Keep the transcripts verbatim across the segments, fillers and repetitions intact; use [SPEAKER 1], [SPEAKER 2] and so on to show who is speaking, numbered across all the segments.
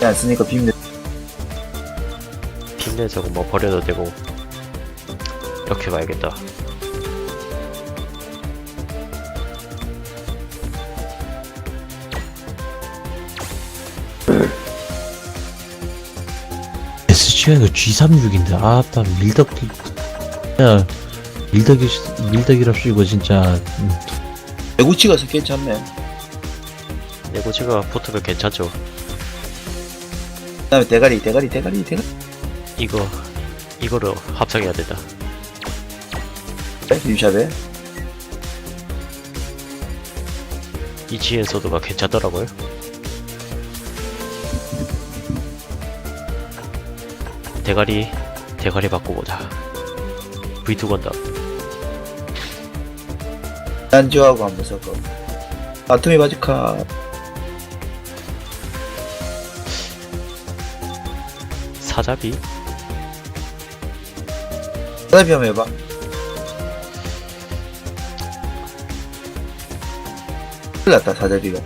[SPEAKER 1] 안 쓰니까 빔
[SPEAKER 2] 핀내 저거 뭐 버려도 되고. 이렇게 가야겠다.
[SPEAKER 3] 에스지가 이거 지 삼십육인데 아따 밀덕기 야 밀덕이 밀덕이랍시 이거 진짜. 음.
[SPEAKER 1] 배구치가 괜찮네.
[SPEAKER 2] 내고치가 붙으면 괜찮죠.
[SPEAKER 1] 그 다음에 대가리 대가리 대가리 대가리
[SPEAKER 2] 이거 이거로 합성해야 된다.
[SPEAKER 1] 빔샵에
[SPEAKER 2] 이 지엔 소드가 괜찮더라고요. 대가리 대가리 바꾸보자. 브이 투 건담.
[SPEAKER 1] 난지하고 한번 섞어. 아토미 바지카
[SPEAKER 2] 사자비?
[SPEAKER 1] 사다비 한번 해봐. 큰일 났다 사다비가.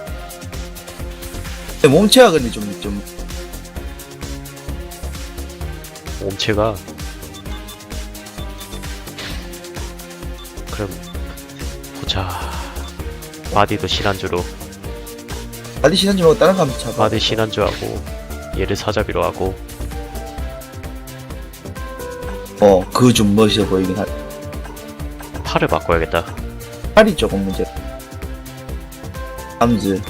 [SPEAKER 1] 근데 몸체가 근데 좀 좀
[SPEAKER 2] 몸체가 그럼 보자. 바디도 신한주로
[SPEAKER 1] 바디 시선지 말고 다른 거 한번 잡아.
[SPEAKER 2] 바디 신한주하고 얘를 사자비로 하고.
[SPEAKER 1] 어 그거 좀 멋있어 보이긴 하.
[SPEAKER 2] 팔을 바꿔야겠다.
[SPEAKER 1] 팔이 조금 문제. 암즈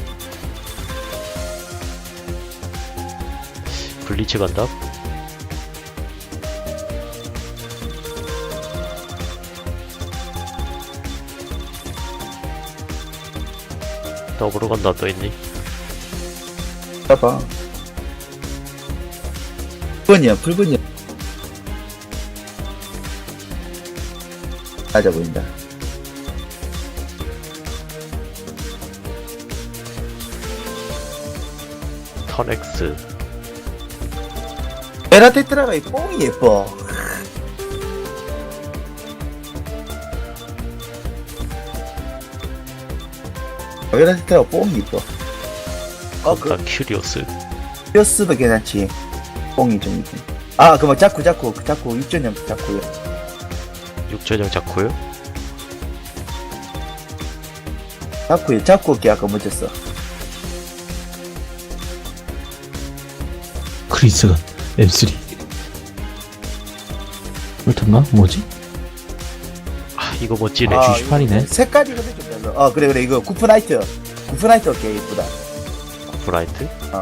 [SPEAKER 2] 블리츠 건담? 더블 건담 또 있니?
[SPEAKER 1] 잡아. 풀번이야 풀번이야. 맞아 보인다.
[SPEAKER 2] 턴엑스.
[SPEAKER 1] 베라테트라가 이 뽕이 예뻐. 베라테트라가 뽕이 예뻐. 어, 그,
[SPEAKER 2] 건담 큐리오스.
[SPEAKER 1] 뼈스도 괜찮지. 뽕이 좀 있긴. 아, 그 뭐, 자쿠, 자쿠, 그 자쿠, 육전형 자쿠요.
[SPEAKER 2] 육전형 자쿠요?
[SPEAKER 1] 자쿠에, 자쿠 어깨 아까 멋졌어.
[SPEAKER 3] 크리스건 엠 쓰리 그렇던가? 뭐지?
[SPEAKER 2] 아 이거 멋지네.
[SPEAKER 1] 아,
[SPEAKER 3] 주시판이네.
[SPEAKER 1] 색깔이 근데 좀 별로. 어, 그래, 그래, 이거 구프나이트. 구프나이트 어깨 예쁘다.
[SPEAKER 2] 브라이트?
[SPEAKER 1] 어.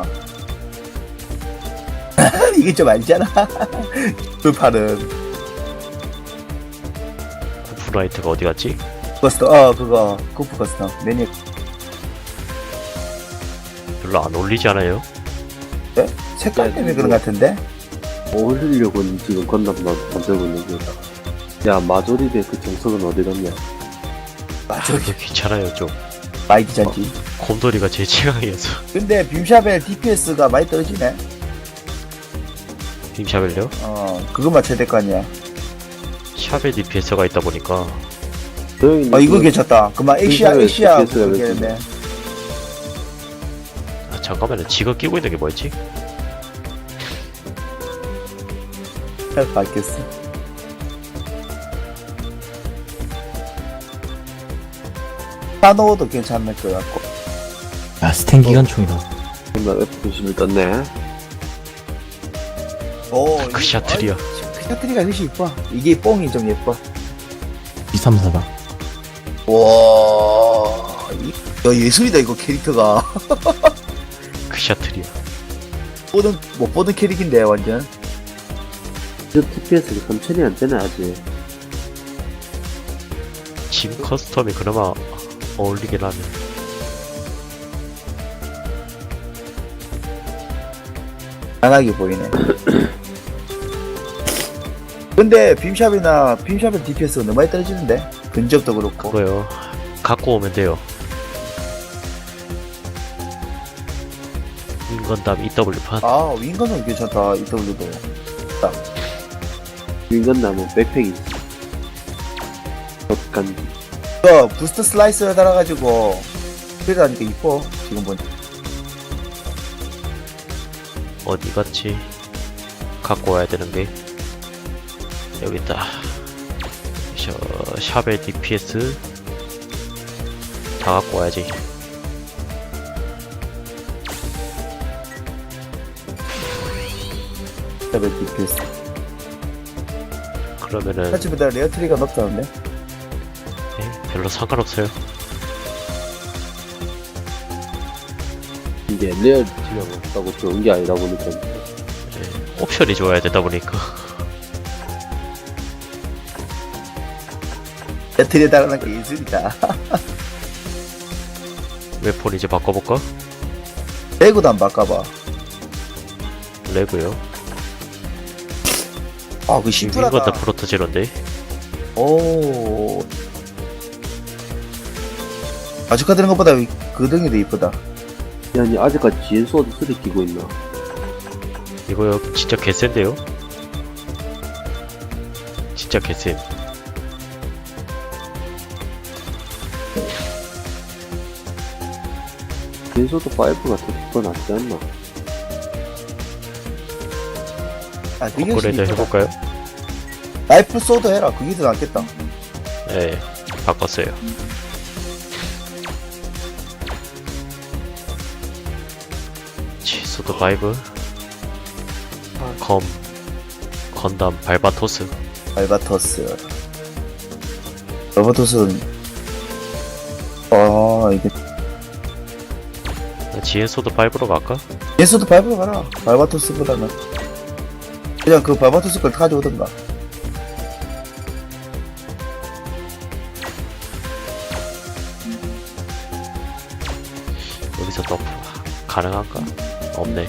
[SPEAKER 1] 이게 좀 알잖아. 그 팔은.
[SPEAKER 2] 브라이트가 어디 갔지?
[SPEAKER 1] 커스텀, 어, 그거, 구프 커스텀. 매니,
[SPEAKER 2] 별로 안 어울리지 않아요?
[SPEAKER 1] 네? 색깔 때문에 그런 것 같은데?
[SPEAKER 4] 어울리려고 지금 건담 만- 만들고 있는 거다. 야, 마조리의 그 정석은 어디 갔냐?
[SPEAKER 1] 맞아,
[SPEAKER 2] 이거 괜찮아요 좀.
[SPEAKER 1] 마이티 잔지.
[SPEAKER 2] 곰돌이가 제 취향이어서.
[SPEAKER 1] 근데 빔샵의 디피에스가 많이 떨어지네.
[SPEAKER 2] 빔샤벨요?
[SPEAKER 1] 어, 그것만 최대 거 아니야.
[SPEAKER 2] 샵에 디피에스가 있다 보니까.
[SPEAKER 4] 조용히
[SPEAKER 1] 어, 이거 괜찮다. 그만 엑시아,
[SPEAKER 4] 빔샵의
[SPEAKER 1] 엑시아
[SPEAKER 4] 디피에스가
[SPEAKER 1] 그게네.
[SPEAKER 2] 아, 잠깐만요. 지가 끼고 있는 게 뭐였지?
[SPEAKER 1] 알겠어. 사노도 괜찮을 것 같고.
[SPEAKER 3] 야 스텐 기관총이다.
[SPEAKER 4] 정말 에프 이십일 떴네.
[SPEAKER 1] 오,
[SPEAKER 2] 그 샤트리야.
[SPEAKER 1] 그 샤트리가 훨씬 이뻐. 이게 뽕이 좀 예뻐.
[SPEAKER 3] 지 삼십사다.
[SPEAKER 1] 와, 이, 야, 예술이다, 이거 캐릭터가.
[SPEAKER 2] 그 샤트리야.
[SPEAKER 1] 보던, 못 보던 캐릭인데, 완전.
[SPEAKER 4] 저 티피에스가 삼천이 안 되네, 아직.
[SPEAKER 2] 짐 커스텀이 그나마 어울리긴 하네.
[SPEAKER 1] 안하게 보이네. 근데 빔샵이나 빔샵의 디피에스가 너무 많이 떨어지는데 근접도 그렇고.
[SPEAKER 2] 그거요. 갖고 오면 돼요. 인건담 이더블유판.
[SPEAKER 1] 아 윙건은 괜찮다. 이더블유도
[SPEAKER 4] 윙건담은 백팩이 있어. 덧간지.
[SPEAKER 1] 그 부스트 슬라이스를 달아가지고 그러다니까 이뻐 지금 보니.
[SPEAKER 2] 어디 갔지? 갖고 와야 되는 게 여기 있다. 셔, 샵의 디피에스 다 갖고 와야지.
[SPEAKER 1] 레벨 디피에스.
[SPEAKER 2] 그러면은
[SPEAKER 1] 하지보다 레어 트리가 높다는데?
[SPEAKER 2] 예, 별로 상관없어요.
[SPEAKER 4] 이게 레어 지명 없다고 좋은 게 아니라 보니까
[SPEAKER 2] 예, 옵션이 좋아야 되다 보니까
[SPEAKER 1] 레어 트리에 달하는 게 예술이다.
[SPEAKER 2] 웨폰 이제 바꿔볼까?
[SPEAKER 1] 레고도 안 바꿔봐.
[SPEAKER 2] 레고요.
[SPEAKER 1] 아, 그
[SPEAKER 2] 이건 다
[SPEAKER 1] 심플하다.
[SPEAKER 2] 프로토제로인데.
[SPEAKER 1] 오. 아주카드는 것보다 그 등이 더 이쁘다.
[SPEAKER 4] 야, 니 아직까지 지엔 소드 쓰리 끼고 있나?
[SPEAKER 2] 이거요 진짜 개센데요? 진짜 개센.
[SPEAKER 4] 지엔 소드 파이브가 더 낫지 않나?
[SPEAKER 1] 아, 그게 훨씬
[SPEAKER 2] 업그레이드
[SPEAKER 1] 이쁘다.
[SPEAKER 2] 해볼까요?
[SPEAKER 1] 라이프 소드 해라. 그게 더 낫겠다.
[SPEAKER 2] 네, 바꿨어요. 치소드 파이브 검 건담 발바토스.
[SPEAKER 1] 알바토스. 알바토스는, 아, 이게,
[SPEAKER 2] 지엔소드 파이브로 갈까?
[SPEAKER 1] 예수도 밟으러 가라. 발바토스보다는. 그냥 그 발바토스 걸 가져오던가.
[SPEAKER 2] 여기서 또 가능한가? 없네.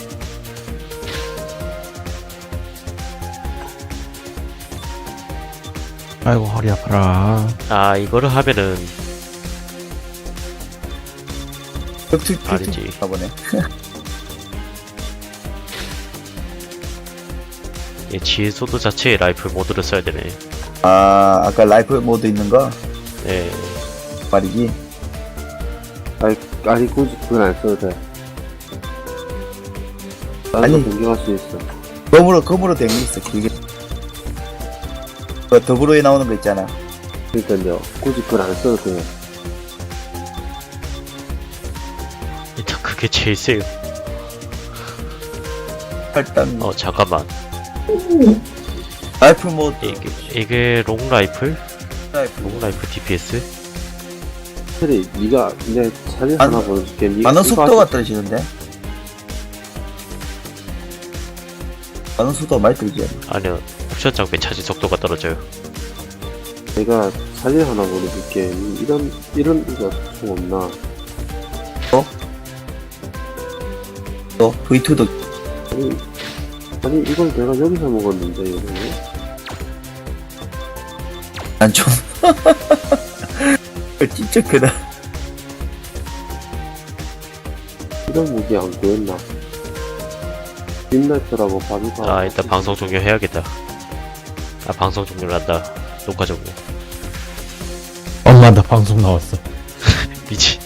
[SPEAKER 3] 아이고 허리 아파라.
[SPEAKER 2] 아 이거를 하면은
[SPEAKER 1] 격투,
[SPEAKER 2] 아니지.
[SPEAKER 1] 격투 가보네.
[SPEAKER 2] 이 지엔소드 자체의 라이플 모드를 써야 되네.
[SPEAKER 1] 아, 아까 라이프 모드 있는 거?
[SPEAKER 2] 네,
[SPEAKER 1] 말이지.
[SPEAKER 4] 아니, 아니 굳이 그건 안 써도 돼. 다른
[SPEAKER 1] 아니.
[SPEAKER 4] 거 변경할 수 있어.
[SPEAKER 1] 검으로, 검으로 된 게 있어, 길게. 그 더불어에 나오는 거 있잖아.
[SPEAKER 4] 그러니까요, 굳이 그건 안 써도 돼.
[SPEAKER 2] 일단 그게 제일 세요.
[SPEAKER 1] 일단,
[SPEAKER 2] 어 잠깐만.
[SPEAKER 1] 라이프 모드.
[SPEAKER 2] 이게 이게 롱 라이플?
[SPEAKER 1] 라이프.
[SPEAKER 2] 롱 라이플 디피에스?
[SPEAKER 4] 차라리 니가 내 사진
[SPEAKER 1] 안-
[SPEAKER 4] 하나 보여줄게. 니가
[SPEAKER 1] 반응
[SPEAKER 4] 이거
[SPEAKER 1] 속도가
[SPEAKER 4] 하지-
[SPEAKER 1] 떨어지는데? 반응 속도가 많이 떨어지지.
[SPEAKER 2] 아니요, 옵션 장비 차지 속도가 떨어져요.
[SPEAKER 4] 내가 사진 하나 보여줄게. 이런 이런 이거 좀 없나?
[SPEAKER 1] 또, 브이투도.
[SPEAKER 4] 아니, 아니 이걸 내가 여기서 먹었는데 이거
[SPEAKER 1] 난 좀. 진짜 크다.
[SPEAKER 4] 이런 무기 안 구했나? 빈라이트라고 바비가
[SPEAKER 2] 아 일단 방송 종료해야겠다. 아 방송 종료를 한다. 녹화 종료.
[SPEAKER 3] 엄마 나 방송 나왔어.
[SPEAKER 2] 미치.